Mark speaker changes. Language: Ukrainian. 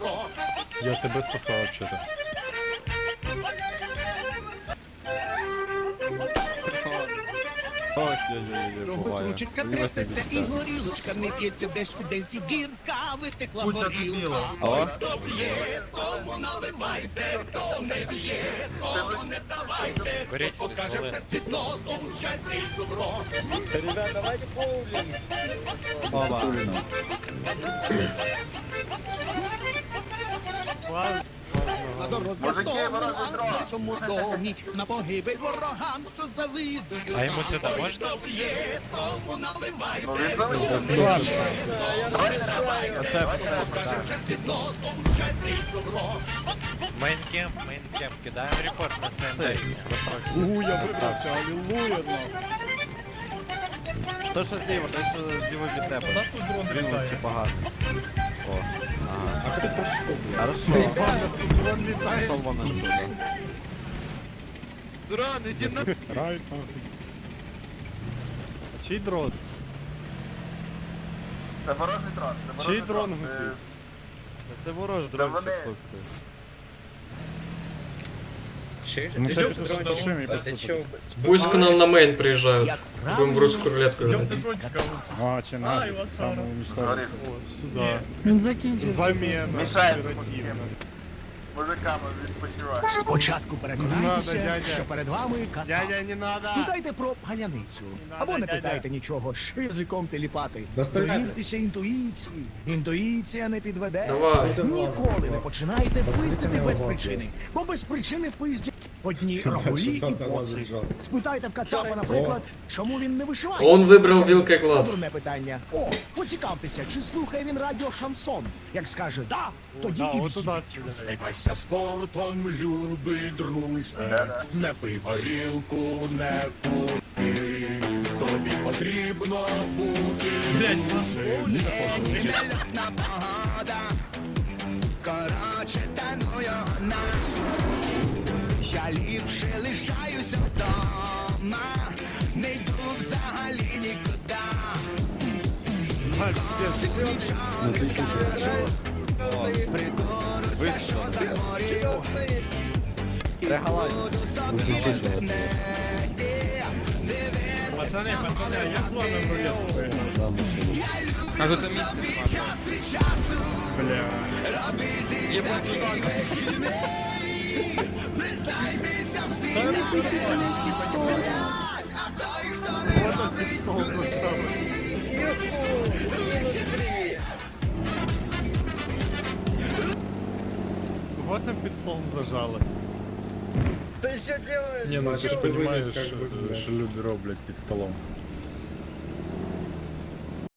Speaker 1: Я тебе спасав вообще-то.
Speaker 2: Ручка трясеться і горілочка не п'ється, десь у денці гірка витекла горілка. Хто п'є, кому наливайте, хто не п'є, кому не давайте. Хто покаже прецідно, тому щастя і добро.
Speaker 3: Ребят, давайте боулинг.
Speaker 4: Опа.
Speaker 2: Мужики, в цьому домі, на погибель ворогам, що завидують.
Speaker 5: А йому сюди можна?
Speaker 2: Хто п'є, кому наливайте. Покаже прецідно, тому щастя і добро.
Speaker 5: Мейнкемп, кидаємо репорт на ЦНД.
Speaker 1: Я вибрався, алілуя,
Speaker 4: То що зліва, то що зліва від тебе.
Speaker 1: У нас тут дрон
Speaker 4: Він
Speaker 1: літає.
Speaker 4: лучше багато. О, ага. Хорошо.
Speaker 1: Дрон літає.
Speaker 4: Пішов вон отсюда.
Speaker 3: Дрон, иди на...
Speaker 1: Райт. А чий дрон?
Speaker 6: Це ворожий дрон. Це
Speaker 1: Чий
Speaker 6: ворожий
Speaker 1: дрон
Speaker 6: дрон. Це-
Speaker 1: губив?
Speaker 4: Це ворож
Speaker 6: Це
Speaker 4: дрончик,
Speaker 6: вони.
Speaker 4: хлопці.
Speaker 1: Ну це пішов з душами і просто.
Speaker 7: Пусть к нам на мейн приезжают.
Speaker 2: Як
Speaker 7: Будем в
Speaker 2: правильно,
Speaker 7: русскую рулетку играть.
Speaker 1: А, чи нас самоуничтожився. Сюда.
Speaker 8: Він закінчив.
Speaker 1: Замена.
Speaker 6: Мішає
Speaker 1: оперативна.
Speaker 6: мужиками відпочиває.
Speaker 2: Спочатку
Speaker 1: Не
Speaker 2: переконайтеся,
Speaker 1: надо, дядя.
Speaker 2: що перед вами казав.
Speaker 1: Дядя, не надо!
Speaker 2: Спитайте про паляницю. Або не
Speaker 1: дядя.
Speaker 2: питайте нічого, що язиком теліпати. Довіртеся інтуїції. Інтуїція не підведе.
Speaker 7: Давай.
Speaker 2: Ніколи не починайте пиздити без причини. Бо без причини пиздять одні рагулі і боси. Спитайте в Кацапа, наприклад, чому він не вишивається.
Speaker 7: Он вибрав вілкою
Speaker 2: Це
Speaker 7: глаз.
Speaker 2: дурне питання. О, поцікавтеся, чи слухає він радіо Шансон. Як скаже «да», тоді
Speaker 1: Да,
Speaker 2: і
Speaker 1: от туди
Speaker 2: в'їдь.
Speaker 1: сюди.
Speaker 2: Займайся спортом, любий друже, не пий горілку, не кури, тобі потрібно бути. Нельотна погода, короче, та ну його на. Я ліпше лишаюся вдома, не йду взагалі нікуди. Нічого не скажу, прикоруся, що загорів. І буду собі в інтернеті
Speaker 1: Пацани, а як зловим рулетку?
Speaker 3: А тут місце.
Speaker 2: час від часу
Speaker 1: Бля.
Speaker 2: робити такі вихідні. Признайтеся всі, а той, хто не робить,
Speaker 1: Кого там під стол зажали?
Speaker 3: Ты что делаешь?
Speaker 1: Не, ну ти ж розумієш, що люди роблять під столом.